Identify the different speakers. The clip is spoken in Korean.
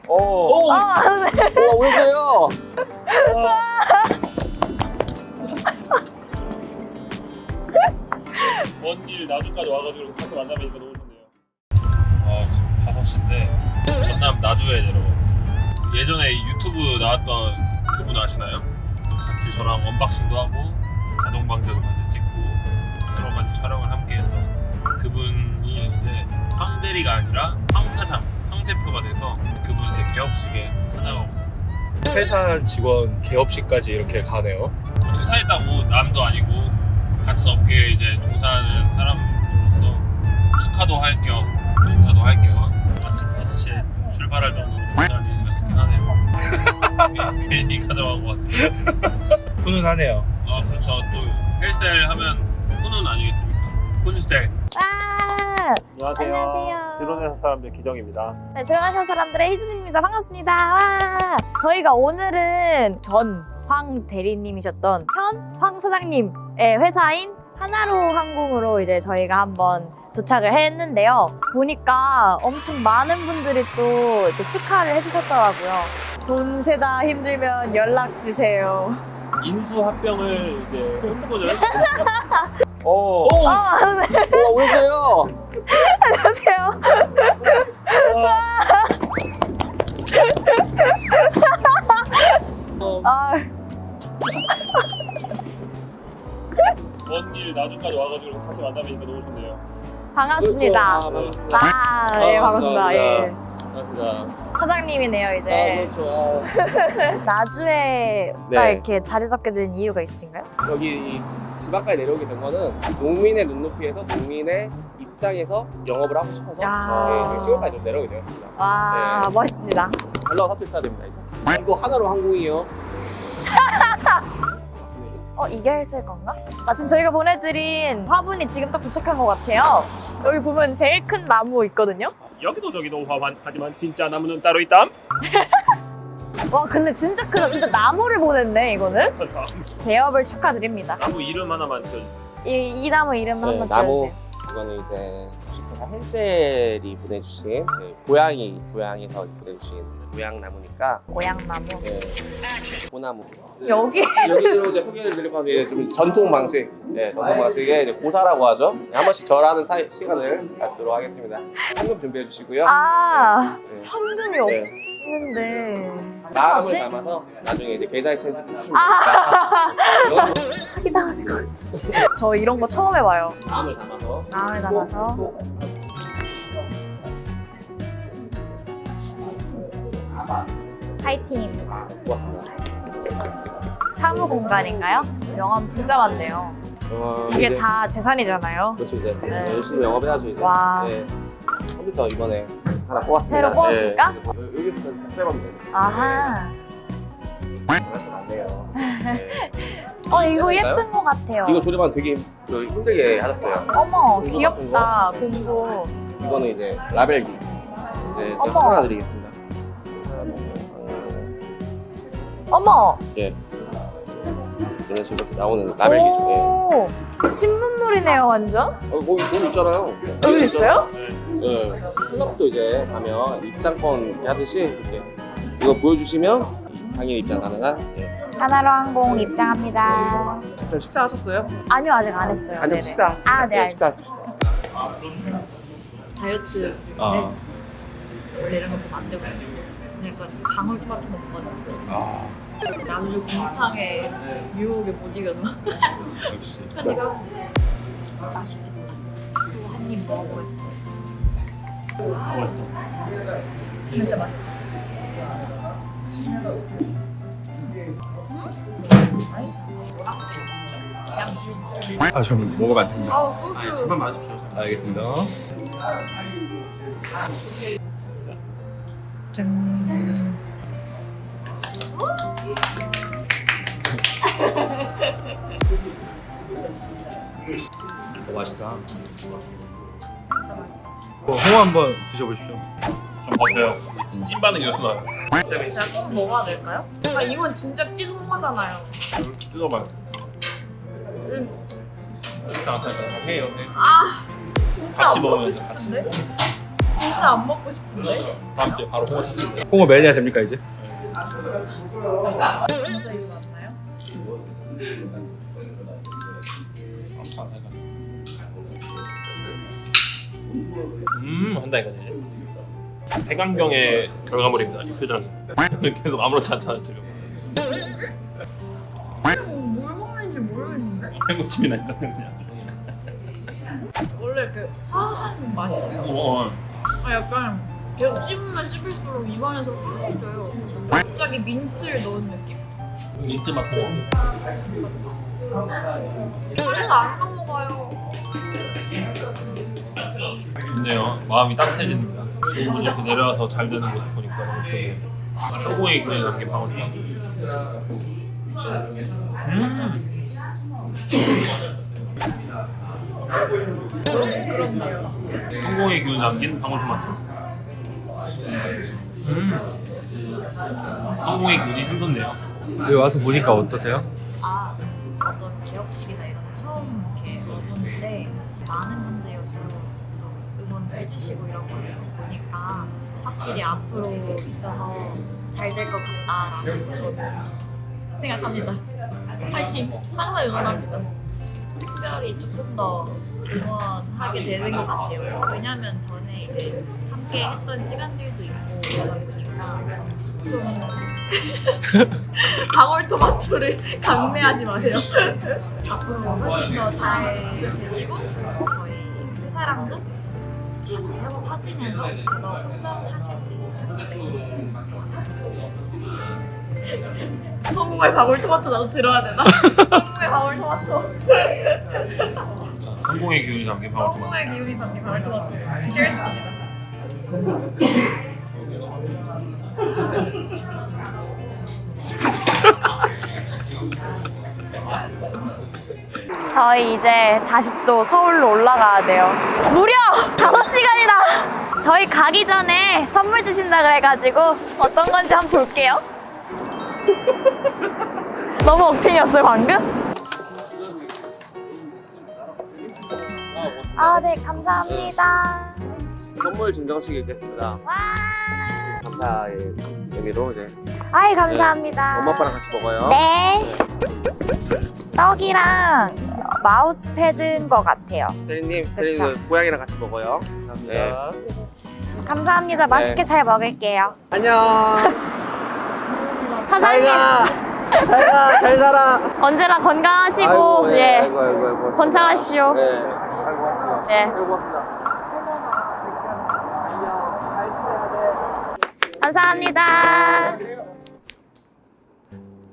Speaker 1: 오!
Speaker 2: 네.
Speaker 1: 오셨어요?
Speaker 3: 먼 길 나주까지 와가지고 다시 만나뵈니까 너무 좋네요. 지금 5시인데 전남 나주에 내려가고 있습니다. 예전에 유튜브 나왔던 그분 아시나요? 같이 저랑 언박싱도 하고 자동 방제도 같이 찍고 여러 가지 촬영을 함께 해서 그분이 이제 황 대리가 아니라 황 사장, 황 대표가 돼서 그분 이제 개업식에 찾아가고 있습니다.
Speaker 2: 회사 직원 개업식까지 이렇게 가네요.
Speaker 3: 퇴사했다고 남도 아니고 같은 업계에 이제 종사하는 사람으로서 축하도 할 겸 인사도 할 겸 아침 5시에 출발할 정도로 시간이 싶긴 하네요. 괜히 가져가고 왔습니다.
Speaker 2: 훈훈하네요.
Speaker 3: 아 그렇죠. 또 헬스를 하면 훈훈 아니겠습니까? 훈스텔.
Speaker 4: 와!
Speaker 3: 안녕하세요.
Speaker 4: 안녕하세요.
Speaker 3: 드론회사 사람들 기정입니다.
Speaker 4: 네, 들어가신 사람들의 희준입니다. 반갑습니다. 와! 저희가 오늘은 전 황 대리님이셨던 현 황 사장님의 회사인 하나로 항공으로 이제 저희가 한번 도착을 했는데요. 보니까 엄청 많은 분들이 또 이렇게 축하를 해주셨더라고요. 돈 세다 힘들면 연락 주세요.
Speaker 3: 인수 합병을 이제 꿈꾸는.
Speaker 1: 오!
Speaker 4: 네.
Speaker 1: 오셨어요?
Speaker 4: 안녕하세요. 아,
Speaker 3: 먼 길 나주까지 와가지고 다시 만나뵈니까 너무 좋네요.
Speaker 4: 반갑습니다.
Speaker 1: 그렇죠. 반갑습니다.
Speaker 4: 아, 예, 반갑습니다. 예.
Speaker 1: 반갑습니다.
Speaker 4: 사장님이네요, 이제.
Speaker 1: 그렇죠.
Speaker 4: 나주에 딱
Speaker 1: 네.
Speaker 4: 이렇게 자리 잡게 된 이유가 있으신가요?
Speaker 1: 여기 집 앞까지 내려오게 된 거는 농민의 눈높이에서 농민의 입장에서 영업을 하고 싶어서
Speaker 4: 야.
Speaker 1: 시골까지 좀 내려오게 되었습니다.
Speaker 4: 와,
Speaker 1: 네.
Speaker 4: 멋있습니다.
Speaker 1: 연락 사투리 써야 됩니다. 이제. 이거 하나로 항공이에요.
Speaker 4: 이게 헬스일 건가? 지금 저희가 보내드린 화분이 지금 딱 도착한 것 같아요. 여기 보면 제일 큰 나무 있거든요.
Speaker 3: 여기도 저기도 하지만 진짜 나무는 따로 있담.
Speaker 4: 와, 근데 진짜 크다. 진짜 나무를 보냈네, 이거는. 개업을 축하드립니다.
Speaker 3: 나무 이름 하나만 지어주세요.
Speaker 4: 이 나무 이름 한번
Speaker 1: 나무.
Speaker 4: 지어주세요.
Speaker 1: 이거는 이제 헬셀이 보내주신 제 고양이에서 보내주신 고향나무니까
Speaker 4: 고향나무.
Speaker 1: 네, 고나무.
Speaker 4: 여기?
Speaker 1: 여기로 이제 소개를 드리려고 하면 좀 전통 방식, 전통 방식의 이제 고사라고 하죠. 한 번씩 절하는 시간을 갖도록 하겠습니다. 현금 준비해 주시고요.
Speaker 4: 아,
Speaker 1: 네.
Speaker 4: 현금이
Speaker 1: 네.
Speaker 4: 없는데.
Speaker 1: 마음을
Speaker 4: 어떡하지?
Speaker 1: 담아서 나중에 이제 계좌에 채워주시면 됩니다.
Speaker 4: 아, 사기당하는 것 같아. 저 이런 거 처음 해봐요.
Speaker 1: 마음을 담아서.
Speaker 4: 마음을 담아서. 파이팅입니다.
Speaker 1: 고맙습니다.
Speaker 4: 사무 공간인가요? 명함 진짜 많네요. 이게
Speaker 1: 이제-
Speaker 4: 다 재산이잖아요.
Speaker 1: 그렇죠. 이제
Speaker 4: 네.
Speaker 1: 열심히 영업해야죠. 이제.
Speaker 4: 와.
Speaker 1: 네. 컴퓨터 이번에 하나 뽑았습니다.
Speaker 4: 새로 뽑았습니까?
Speaker 1: 네. 여기부터 삭제하면 돼요.
Speaker 4: 아하.
Speaker 1: 안 돼요. 네.
Speaker 4: 이거
Speaker 1: 될까요?
Speaker 4: 예쁜 것 같아요.
Speaker 1: 이거 조립하면 되게 힘들게 하셨어요.
Speaker 4: 어머,
Speaker 1: 공구
Speaker 4: 귀엽다.
Speaker 1: 같은
Speaker 4: 공구.
Speaker 1: 이거는 이제 라벨기. 이제 제가
Speaker 4: 어머.
Speaker 1: 하나 드리겠습니다.
Speaker 4: 어머.
Speaker 1: 예. 이런 식으로 이렇게 나오는 라벨기죠. 예.
Speaker 4: 오, 신문물이네요, 완전.
Speaker 1: 거기 돈 있잖아요.
Speaker 4: 여기 있어요?
Speaker 1: 예. 클럽도 이제 가면 입장권 이렇게 하듯이 이렇게 이거 보여주시면 당일 입장 가능한. 예.
Speaker 4: 하나로 항공 입장합니다.
Speaker 1: 그럼 식사하셨어요?
Speaker 4: 아니요, 아직 안 했어요.
Speaker 1: 아니요,
Speaker 4: 네네.
Speaker 1: 식사.
Speaker 4: 아, 네,
Speaker 1: 식사.
Speaker 4: 알겠습니다.
Speaker 5: 다이어트
Speaker 1: 아.
Speaker 5: 원래 이런 거 보면 안 되거든요. 그러니까 방울토마토 먹거든요.
Speaker 1: 아.
Speaker 5: 나주 곰탕에 유혹에 못 이겨서
Speaker 1: 역시.
Speaker 5: 편입 해봤습니다. 맛있겠다. 또 한 입 먹어보겠습니다.
Speaker 3: 고맙습니다.
Speaker 5: 진짜 맛있다.
Speaker 2: 좀 먹으면 안 됩니다.
Speaker 5: 아우 소주.
Speaker 1: 한번 마십시오.
Speaker 2: 알겠습니다.
Speaker 5: 짠.
Speaker 2: 맛있다. 홍어 한번 드셔보십시오.
Speaker 3: 좀 버텨요. 찐반응이었구나.
Speaker 5: 제가 꼭 먹어야 될까요? 이건 진짜 찐 홍어잖아요.
Speaker 3: 뜯어봐요. 해요. 해.
Speaker 5: 진짜
Speaker 3: 같이
Speaker 5: 안
Speaker 3: 먹으면서
Speaker 5: 먹고
Speaker 3: 같이.
Speaker 5: 싶은데? 진짜 안 먹고 싶은데?
Speaker 3: 다음 주에 바로 홍어 샀습니다.
Speaker 2: 홍어 매니아 됩니까 이제?
Speaker 5: 진짜 이거 맞나요?
Speaker 3: 한다 이거네. 해강경의 결과물입니다. 이 표정이. 계속 아무렇지 않잖아 지금.
Speaker 5: 뭘 먹는지 모르겠는데?
Speaker 3: 해무침이 나니까 그냥.
Speaker 5: 원래 그 화한 맛이에요. 약간 계속 씹으면 씹을수록 입안에서 흐려져요. 갑자기 민트를 넣은 느낌?
Speaker 3: 민트 맛 홍어.
Speaker 5: 그래서 안 넘어가요.
Speaker 3: 좋네요. 마음이 따뜻해집니다. 좋은 분 이렇게 내려와서 잘 되는 모습 보니까 너무 좋네요. 성공의 기운이 남긴 방울토마토.
Speaker 5: 그런데요.
Speaker 3: 성공의 기운이 남긴 방울토마토. 성공의 기운이 샘솟네요.
Speaker 2: 여기 와서 보니까 어떠세요?
Speaker 5: 어떤 개업식이나 이런 거 처음 이렇게 와보는데 많은 분들이 응원도 해주시고 이런 걸 보니까 확실히 앞으로 있어서 잘 될 것 같다라고 저는 생각합니다. 파이팅! 항상 응원합니다. 특별히 조금 더 응원하게 되는 것 같아요. 왜냐면 전에 이제 함께 했던 시간들도 있고 그러다 보니까 좀 방울토마토를 강매하지 마세요. 앞으로 훨씬 더 잘 되시고 저희 회사랑도 같이 협업하시면서 더 성장하실 수 있으면 좋겠습니다. 성공의 방울토마토 나도 들어야 되나? 성공의 방울토마토.
Speaker 3: 성공의 기운이 담긴 방울토마토.
Speaker 5: 성공의 기운이 담긴 방울토마토. Cheers입니다.
Speaker 4: 저희 이제 다시 또 서울로 올라가야 돼요. 무려 5시간이나! 저희 가기 전에 선물 주신다 그래가지고 어떤 건지 한번 볼게요. 너무 억텐이었어요, 방금? 아, 네, 감사합니다.
Speaker 1: 선물 증정식이 있겠습니다.
Speaker 4: 와!
Speaker 1: 감사의 의미로 이제
Speaker 4: 아이, 감사합니다.
Speaker 1: 엄마 아빠랑 같이 먹어요.
Speaker 4: 네. 떡이랑 마우스 패드인 것 같아요.
Speaker 1: 대리님,
Speaker 4: 그쵸.
Speaker 1: 대리님 고양이랑 같이 먹어요. 감사합니다.
Speaker 4: 감사합니다. 맛있게 잘 먹을게요.
Speaker 1: 안녕. 잘
Speaker 4: 사장님,
Speaker 1: 가. 잘 가. 잘 살아.
Speaker 4: 언제나 건강하시고,
Speaker 1: 아이고, 예.
Speaker 4: 예.
Speaker 1: 아이고, 아이고, 아이고.
Speaker 4: 번창하십시오.
Speaker 1: 네. 아이고, 고맙습니다.
Speaker 4: 예.
Speaker 1: 아이고, 고맙습니다. 안녕. 잘 지내야 돼.
Speaker 4: 감사합니다.